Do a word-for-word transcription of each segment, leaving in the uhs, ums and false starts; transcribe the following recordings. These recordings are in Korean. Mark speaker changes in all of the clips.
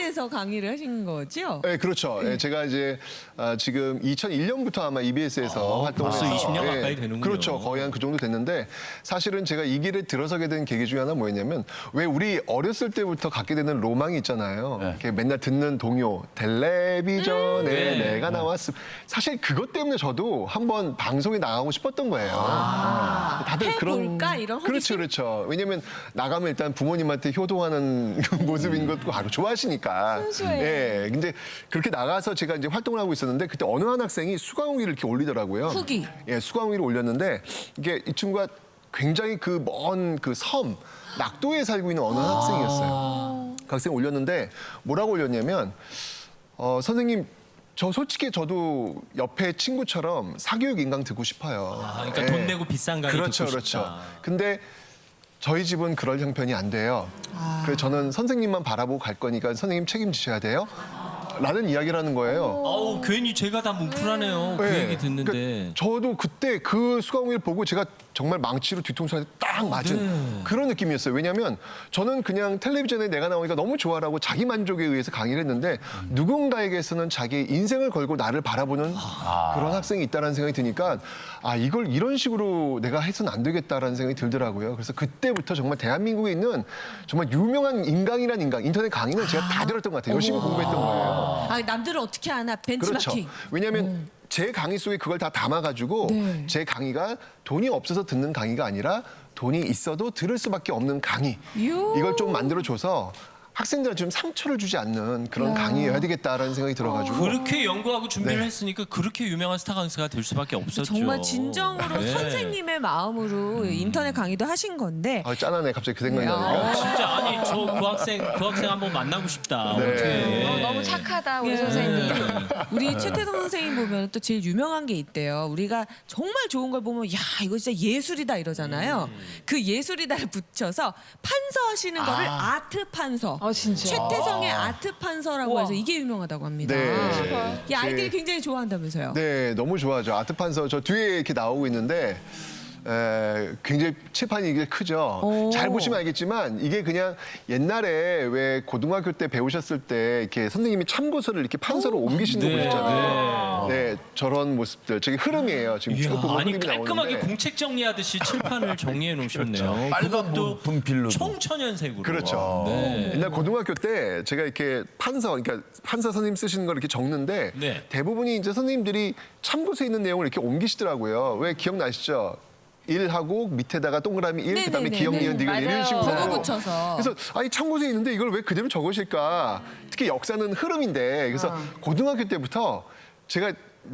Speaker 1: 이비에스에서 강의를 하신 거죠?
Speaker 2: 네, 그렇죠. 네. 제가 이제 아, 지금 이천일 년부터 아마 이비에스에서
Speaker 3: 아,
Speaker 2: 활동을
Speaker 3: 벌써
Speaker 2: 해서
Speaker 3: 이십 년 가까이 되는군요.
Speaker 2: 그렇죠. 거의 한 그 정도 됐는데 사실은 제가 이 길에 들어서게 된 계기 중에 하나 뭐였냐면 왜 우리 어렸을 때부터 갖게 되는 로망이 있잖아요.
Speaker 3: 네.
Speaker 2: 이렇게 맨날 듣는 동요, 텔레비전에
Speaker 3: 네.
Speaker 2: 내가 나왔음. 사실 그것 때문에 저도 한번 방송에 나가고 싶었던 거예요.
Speaker 1: 아, 해볼까? 이런 호기심?
Speaker 2: 그렇죠, 그렇죠. 왜냐면 나가면 일단 부모님한테 효도하는 모습인 것도 바로 좋아하시니까.
Speaker 1: 순수해.
Speaker 2: 예. 근데 그렇게 나가서 제가 이제 활동을 하고 있었는데 그때 어느 한 학생이 수강후기를 이렇게 올리더라고요.
Speaker 1: 후기.
Speaker 2: 예, 수강후기를 올렸는데 이게 이 친구가 굉장히 그 먼 그 섬, 낙도에 살고 있는 어느 한 학생이었어요. 그 학생이 올렸는데 뭐라고 올렸냐면 어, 선생님 저 솔직히 저도 옆에 친구처럼 사교육 인강 듣고 싶어요.
Speaker 3: 아, 그러니까
Speaker 2: 예.
Speaker 3: 돈 내고 비싼 강의
Speaker 2: 그렇죠,
Speaker 3: 듣고
Speaker 2: 그렇죠.
Speaker 3: 싶다.
Speaker 2: 근데 저희 집은 그럴 형편이 안 돼요.
Speaker 1: 아.
Speaker 2: 그래서 저는 선생님만 바라보고 갈 거니까 선생님 책임지셔야 돼요. 라는 이야기를 하는 거예요.
Speaker 3: 아우 괜히 제가 다 뭉클하네요. 그
Speaker 2: 네.
Speaker 3: 얘기 듣는데.
Speaker 2: 그러니까 저도 그때 그 수강후기를 보고 제가 정말 망치로 뒤통수한테 딱 맞은
Speaker 3: 네.
Speaker 2: 그런 느낌이었어요. 왜냐하면 저는 그냥 텔레비전에 내가 나오니까 너무 좋아라고 자기 만족에 의해서 강의를 했는데 누군가에게서는 자기 인생을 걸고 나를 바라보는 그런 학생이 있다는 생각이 드니까 아 이걸 이런 식으로 내가 해서는 안 되겠다라는 생각이 들더라고요. 그래서 그때부터 정말 대한민국에 있는 정말 유명한 인강이란 인강, 인터넷 강의는 제가 다 들었던 것 같아요. 열심히 공부했던 거예요.
Speaker 1: 아, 남들은 어떻게 하나
Speaker 2: 그렇죠.
Speaker 1: 벤치마킹.
Speaker 2: 왜냐하면 제 강의 속에 그걸 다 담아가지고
Speaker 1: 네.
Speaker 2: 제 강의가 돈이 없어서 듣는 강의가 아니라 돈이 있어도 들을 수밖에 없는 강의.
Speaker 1: 요.
Speaker 2: 이걸 좀 만들어줘서 학생들한테 좀 상처를 주지 않는 그런 강의여야 되겠다라는 생각이 들어가지고.
Speaker 3: 그렇게 연구하고 준비를
Speaker 2: 네.
Speaker 3: 했으니까 그렇게 유명한 스타 강사가 될 수밖에 없었죠.
Speaker 1: 정말 진정으로
Speaker 3: 네.
Speaker 1: 선생님의 마음으로 인터넷 강의도 하신 건데
Speaker 2: 아, 짠하네 갑자기 그 생각이
Speaker 1: 네.
Speaker 2: 나니까.
Speaker 1: 어.
Speaker 3: 진짜 아니 저 그 학생 그 학생 한번 만나고 싶다.
Speaker 2: 네.
Speaker 3: 어떻게?
Speaker 4: 어, 너무 착하다 우리
Speaker 1: 예.
Speaker 4: 선생님.
Speaker 1: 우리 최태성 선생님 보면 또 제일 유명한 게 있대요. 우리가 정말 좋은 걸 보면 야 이거 진짜 예술이다 이러잖아요. 그 예술이다를 붙여서 판서하시는 거를 아트 판서.
Speaker 4: 아 진짜.
Speaker 1: 최태성의 아트 판서라고
Speaker 4: 우와.
Speaker 1: 해서 이게 유명하다고 합니다.
Speaker 2: 네.
Speaker 1: 이 아이들이
Speaker 2: 제-
Speaker 1: 굉장히 좋아한다면서요.
Speaker 2: 네, 너무 좋아하죠. 아트판서 저 뒤에 이렇게 나오고 있는데 에, 굉장히 칠판이 이게 크죠.
Speaker 1: 오.
Speaker 2: 잘 보시면 알겠지만 이게 그냥 옛날에 왜 고등학교 때 배우셨을 때 이렇게 선생님이 참고서를 이렇게 판서로 옮기시는 거
Speaker 3: 네.
Speaker 2: 보셨잖아요. 네, 저런 모습들. 저게 흐름이에요. 지금 쭉
Speaker 3: 이야,
Speaker 2: 보면
Speaker 3: 아니
Speaker 2: 흐름이
Speaker 3: 깔끔하게
Speaker 2: 나오는데.
Speaker 3: 공책 정리하듯이 칠판을 정리해 놓으셨네요.
Speaker 5: 빨간
Speaker 3: 그것도
Speaker 5: 분필로.
Speaker 3: 총천연색으로.
Speaker 2: 그렇죠.
Speaker 3: 네.
Speaker 2: 옛날 고등학교 때 제가 이렇게 판서, 그러니까 판서 선생님 쓰시는 걸 이렇게 적는데
Speaker 3: 네.
Speaker 2: 대부분이 이제 선생님들이 참고서에 있는 내용을 이렇게 옮기시더라고요. 왜 기억나시죠? 일하고 밑에다가 동그라미 일, 그다음에
Speaker 1: 네네네.
Speaker 2: 기억, 니은, 니은 이런
Speaker 4: 맞아요.
Speaker 2: 식으로.
Speaker 1: 번호 붙여서.
Speaker 2: 그래서 아니 참고서에 있는데 이걸 왜 그대로 적으실까? 특히 역사는 흐름인데 그래서 고등학교 때부터 제가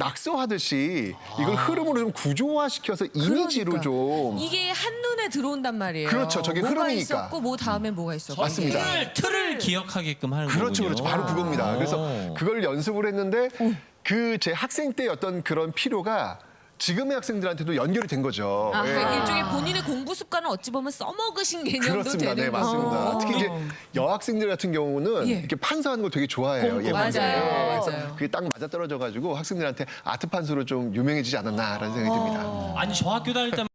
Speaker 2: 낙서하듯이 이걸 흐름으로 좀 구조화시켜서 이미지로
Speaker 1: 그러니까.
Speaker 2: 좀
Speaker 1: 이게 한눈에 들어온다면 말이에요.
Speaker 2: 그렇죠. 저게
Speaker 1: 뭐가
Speaker 2: 흐름이니까.
Speaker 1: 있었고 뭐 다음에 뭐가 있었고.
Speaker 2: 맞습니다.
Speaker 3: 틀을, 틀을 기억하게끔 하는
Speaker 2: 그렇죠,
Speaker 3: 거군요.
Speaker 2: 그렇죠. 바로 그겁니다. 그래서
Speaker 3: 오.
Speaker 2: 그걸 연습을 했는데 그 제 학생 때 어떤 그런 필요가 지금의 학생들한테도 연결이 된 거죠.
Speaker 1: 아,
Speaker 2: 예.
Speaker 1: 그러니까 일종의 본인의 공부 습관을 어찌 보면 써먹으신 개념도
Speaker 2: 그렇습니다.
Speaker 1: 되는
Speaker 2: 네, 맞습니다.
Speaker 1: 거고.
Speaker 2: 특히 이제 여학생들 같은 경우는
Speaker 1: 예.
Speaker 2: 이렇게 판서하는 거 되게 좋아해요.
Speaker 1: 공부.
Speaker 2: 예쁜데.
Speaker 1: 맞아요,
Speaker 2: 그래서
Speaker 1: 맞아요.
Speaker 2: 그게 딱 맞아 떨어져가지고 학생들한테 아트 판서로 좀 유명해지지 않았나라는 생각이 듭니다.
Speaker 3: 아니 저 학교 다닐 때